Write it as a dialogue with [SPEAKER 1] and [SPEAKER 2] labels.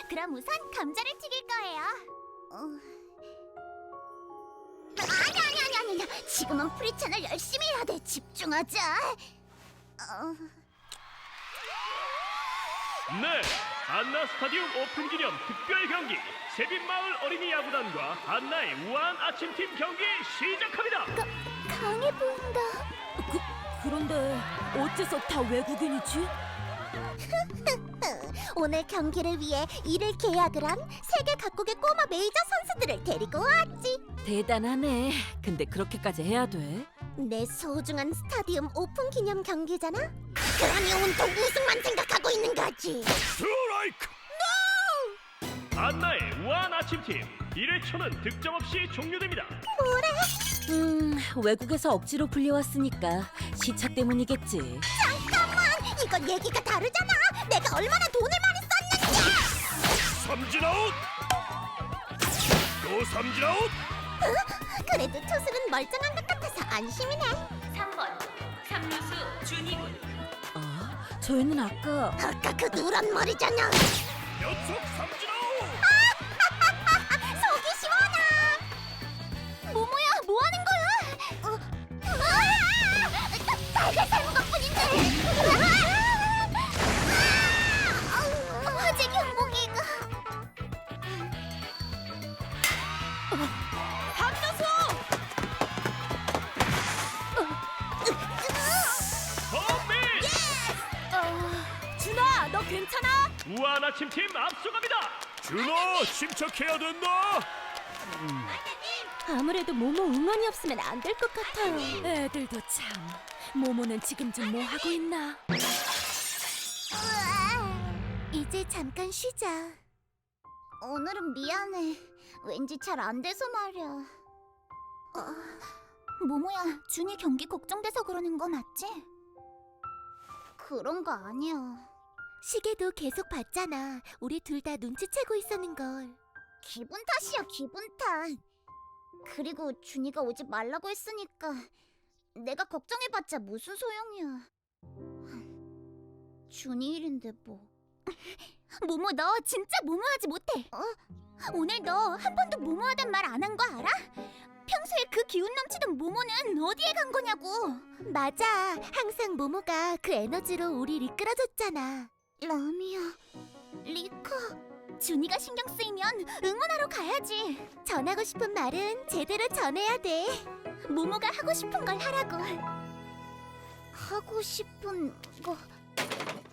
[SPEAKER 1] 그럼 우선 감자를 튀길 거예요. 아니. 지금은 프리찬을 열심히 해야 돼. 집중하자.
[SPEAKER 2] 네, 한나 스타디움 오픈 기념 특별 경기 세빈마을 어린이 야구단과 한나의 우아한 아침팀 경기 시작합니다.
[SPEAKER 1] 강해 보인다.
[SPEAKER 3] 그런데 어째서 다 외국인이지?
[SPEAKER 1] 오늘 경기를 위해 이를 계약을 한 세계 각국의 꼬마 메이저 선수들을 데리고 왔지.
[SPEAKER 3] 대단하네. 근데 그렇게까지 해야 돼?
[SPEAKER 1] 내 소중한 스타디움 오픈 기념 경기잖아. 그러니 온통 우승만 생각하고 있는 거지.
[SPEAKER 2] 스트라이크! 한나의 우아한 아침팀 1회초는 득점 없이 종료됩니다.
[SPEAKER 3] 외국에서 억지로 불려왔으니까 시차 때문이겠지.
[SPEAKER 1] 잠깐만, 이건 얘기가 다르잖아. 내가 얼마나 돈을 많이 썼는지.
[SPEAKER 2] 삼진 아웃! 또 삼진 아웃!
[SPEAKER 1] 그래도 투수는 멀쩡한 것 같아서 안심이네.
[SPEAKER 4] 3번 삼루수 준이군.
[SPEAKER 3] 저 애는 아까
[SPEAKER 1] 아까 그 노란 머리잖아.
[SPEAKER 2] 연속 삼진 아웃!
[SPEAKER 1] 속이 시원하. 모모야, 뭐 하는 거야? 달걀 삶은 것뿐인데. 화재 경보기가.
[SPEAKER 2] 홈런!
[SPEAKER 3] 준아, 너 괜찮아?
[SPEAKER 2] 우아한 아침팀 앞서갑니다. 준호, 침착해야 된다.
[SPEAKER 3] 아무래도 모모 응원이 없으면 안 될 것 같아요. 애들도 참. 모모는 지금 좀 뭐 하고 있나?
[SPEAKER 1] 이제 잠깐 쉬자. 오늘은 미안해. 왠지 잘 안 돼서 말이야. 모모야, 준이 경기 걱정돼서 그러는 거 맞지? 그런 거 아니야. 시계도 계속 봤잖아. 우리 둘 다 눈치채고 있었는걸. 기분 탓이야, 기분 탓. 그리고 준이가 오지 말라고 했으니까 내가 걱정해봤자 무슨 소용이야. 준이 일인데 뭐. 모모, 너 진짜 모모하지 못해. 오늘 너 한 번도 모모하단 말 안 한 거 알아? 평소에 그 기운 넘치던 모모는 어디에 간 거냐고. 맞아, 항상 모모가 그 에너지로 우리를 이끌어줬잖아. 라미야, 리카. 준이가 신경 쓰이면 응원하러 가야지. 전하고 싶은 말은 제대로 전해야 돼. 모모가 하고 싶은 걸 하라고. 하고 싶은 거...